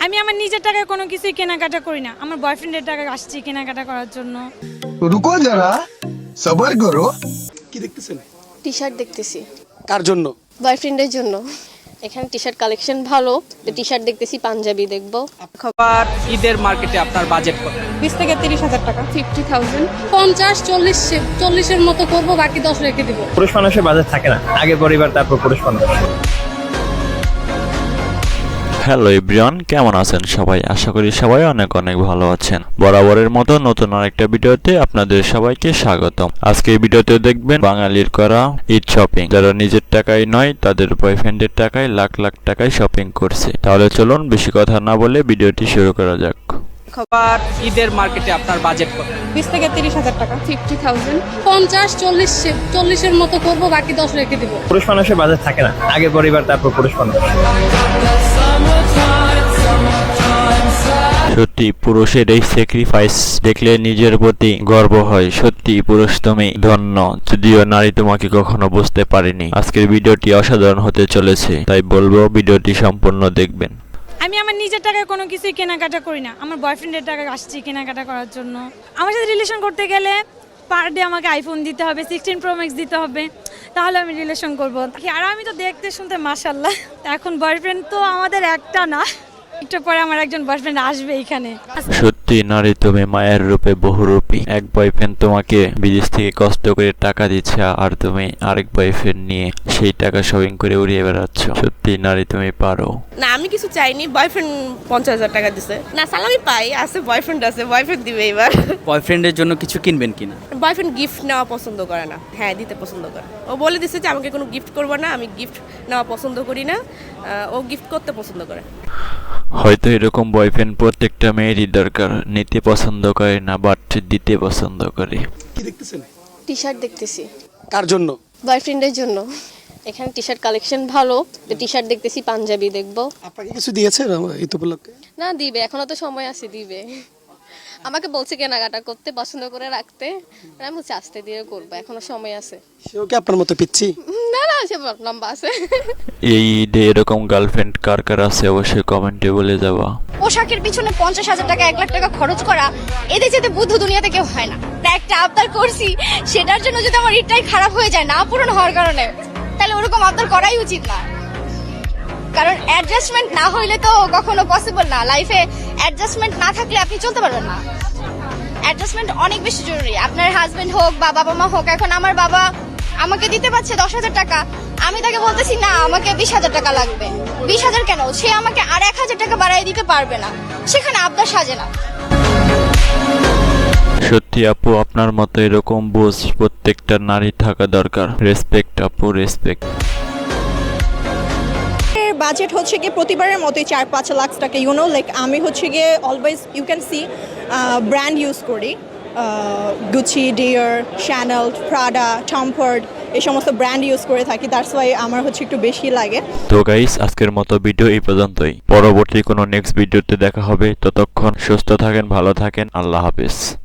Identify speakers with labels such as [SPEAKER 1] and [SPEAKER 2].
[SPEAKER 1] আমি আমার নিজের টাকায় কোনো কিছুই কেনাকাটা করি না, আমার বয়ফ্রেন্ডের টাকা আসছি কেনাকাটা করার জন্য।
[SPEAKER 2] রুকো যারা, সবার করো।
[SPEAKER 3] কি দেখতেছেন?
[SPEAKER 4] টি শার্ট দেখতেছি
[SPEAKER 3] কার জন্য?
[SPEAKER 4] বয়ফ্রেন্ডের জন্য। এখানে টি শার্ট কালেকশন ভালো, তো টি শার্ট দেখতেছি, পাঞ্জাবি দেখবো।
[SPEAKER 5] খাবার ঈদের মার্কেটে আপনার বাজেট কত?
[SPEAKER 1] 20 থেকে 30,000 টাকা।
[SPEAKER 6] 50,000 50-40-40-এর মতো করবো, বাকি 10 রেখে দিব।
[SPEAKER 7] পুরুষ মানুষের বাজেট থাকে না, আগে পরিবার তারপর পুরুষ মানুষ।
[SPEAKER 8] হ্যালো এভরিওয়ান, কেমন আছেন সবাই? আশা করি সবাই অনেক অনেক ভালো আছেন। বরাবরের মতো নতুন আরেকটা ভিডিওতে আপনাদের সবাইকে স্বাগতম। আজকে এই ভিডিওতে দেখবেন বাঙালির করা ঈদ শপিং। যারা নিজের টাকায় নয়, তাদের বয়ফ্রেন্ডের টাকায় লাখ লাখ টাকায় শপিং করছে। তাহলে চলুন বেশি কথা না বলে ভিডিওটি শুরু করা যাক।
[SPEAKER 5] খাবার ঈদের মার্কেটে আপনার বাজেট কত?
[SPEAKER 1] 20 থেকে 30,000 টাকা।
[SPEAKER 6] 50,000 50-40-40-এর মতো করবো, বাকি 10 রেখে দিব।
[SPEAKER 7] পুরুষ মানুষের বাজেট থাকে না, আগে পরিবার তারপর পুরুষ মানুষ।
[SPEAKER 8] সত্যি পুরুষের এই স্যাক্রিফাইস দেখলে নিজের প্রতি গর্ব হয়। সত্যি পুরুষ তুমি ধন্য, যদিও নারী তোমাকে কখনো বুঝতে পারেনি। আজকের ভিডিওটি অসাধারণ হতে চলেছে, তাই বলবো ভিডিওটি সম্পূর্ণ দেখবেন।
[SPEAKER 1] আমি আমার নিজের টাকায় কোনো কিছুই কেনাকাটা করি না, আমার বয়ফ্রেন্ডের টাকা আসছি কেনাকাটা করার জন্য। আমার সাথে রিলেশন করতে গেলে পার ডে আমাকে আইফোন দিতে হবে, 16 Pro Max দিতে হবে, তাহলে আমি রিলেশন করবো। আর আমি তো দেখতে শুনতে মাশাআল্লাহ। এখন বয়ফ্রেন্ড তো আমাদের একটা না, একটু পরে আমার একজন বয়ফ্রেন্ড আসবে এখানে।
[SPEAKER 8] সত্যি নারী তুমি মায়ের রূপে বহুরূপী। এক বয়ফ্রেন্ড তোমাকে বিদেশ থেকে কষ্ট করে টাকা দিচ্ছে, আর তুমি আরেক বয়ফ্রেন্ড নিয়ে সেই টাকা শপিং করে উড়িয়ে বেড়াচ্ছ। সত্যি নারী তুমি পারো।
[SPEAKER 9] না, আমি কিছু চাইনি, বয়ফ্রেন্ড 50,000 টাকা দিছে। না সালামি পাই, আছে বয়ফ্রেন্ড আছে, বয়ফ্রেন্ড দিবে এবার।
[SPEAKER 5] বয়ফ্রেন্ডের জন্য কিছু কিনবেন কিনা?
[SPEAKER 9] বয়ফ্রেন্ড গিফট নেওয়া পছন্দ করে না, হ্যাঁ দিতে পছন্দ করে। ও বলে দিছে যে আমাকে কোনো গিফট করবো না, আমি গিফট নেওয়া পছন্দ করি না, ও গিফট করতে পছন্দ করে।
[SPEAKER 8] হয়তো এরকম বয়ফ্রেন্ড প্রত্যেকটা মেয়েরই দরকার। নিতে পছন্দ করে না, বাট দিতে পছন্দ করে।
[SPEAKER 3] কি দেখতেছেন?
[SPEAKER 4] টি শার্ট দেখতেছি
[SPEAKER 3] কার জন্য?
[SPEAKER 4] বয়ফ্রেন্ডের জন্য। এখানে টি শার্ট কালেকশন ভালো, তো টি শার্ট দেখতেছি, পাঞ্জাবি দেখবো।
[SPEAKER 3] আপনাকে কিছু দিয়েছে ঈদ উপলক্ষে?
[SPEAKER 4] না দিবে, এখনো তো সময় আছে, দিবে। আমাকে বলছে কেনাকাটা করতে, পছন্দ করে রাখতে, আমি বলছি আস্তে দিয়ে করবো, এখনো সময় আছে।
[SPEAKER 3] সেও কি আপনার মতো পিচ্ছি?
[SPEAKER 4] না না, সে লম্বা আছে।
[SPEAKER 8] এই ঈদে এরকম গার্লফ্রেন্ড কার কার আছে অবশ্যই কমেন্টে বলে যাবা।
[SPEAKER 10] পোশাকের পিছনে 50,000 টাকা 1 লাখ টাকা খরচ করা, এদের যেতে বুদ্ধ দুনিয়াতে কেউ হয় না। একটা আবদার করছি, সেটার জন্য যদি আমার ঈদটাই খারাপ হয়ে যায় না পূরণ হওয়ার কারণে, তাহলে ওরকম আবদার করাই উচিত না। কারণ অ্যাডজাস্টমেন্ট না হইলে তো কখনো পসিবল না। লাইফে অ্যাডজাস্টমেন্ট না থাকলে আপনি চলতে পারবেন না। অ্যাডজাস্টমেন্ট অনেক বেশি জরুরি। আপনার হাজবেন্ড হোক বা বাবা মা হোক, এখন আমার বাবা আমাকে দিতে পারছে 10,000 টাকা, আমি তাকে বলতেছি না আমাকে 20,000 টাকা লাগবে। 20,000 কেন, সে আমাকে আর 1,000 টাকা বাড়াই দিতে পারবে না, সেখানে আবদার সাজে না।
[SPEAKER 8] সত্যি আপু, আপনার মতো এরকম বোঝ প্রত্যেকটা নারী থাকা দরকার। রেসপেক্ট আপু, রেসপেক্ট।
[SPEAKER 11] বাজেট হচ্ছে গিয়ে প্রতিবারের মতোই 4-5 লাখ টাকা। লাইক আমি হচ্ছে গিয়ে always you can see brand use করি, Gucci, Dior, Chanel, Prada, Tom Ford, এই সমস্ত ব্র্যান্ড ইউজ করে থাকি। দ্যাটস ওয়াই আমার হচ্ছে একটু বেশি লাগে।
[SPEAKER 8] তো গাইস, আজকের মতো ভিডিও এই পর্যন্তই। পরবর্তী কোনো নেক্সট ভিডিওতে দেখা হবে। ততক্ষণ সুস্থ থাকেন, ভালো থাকেন, আল্লাহ হাফেজ।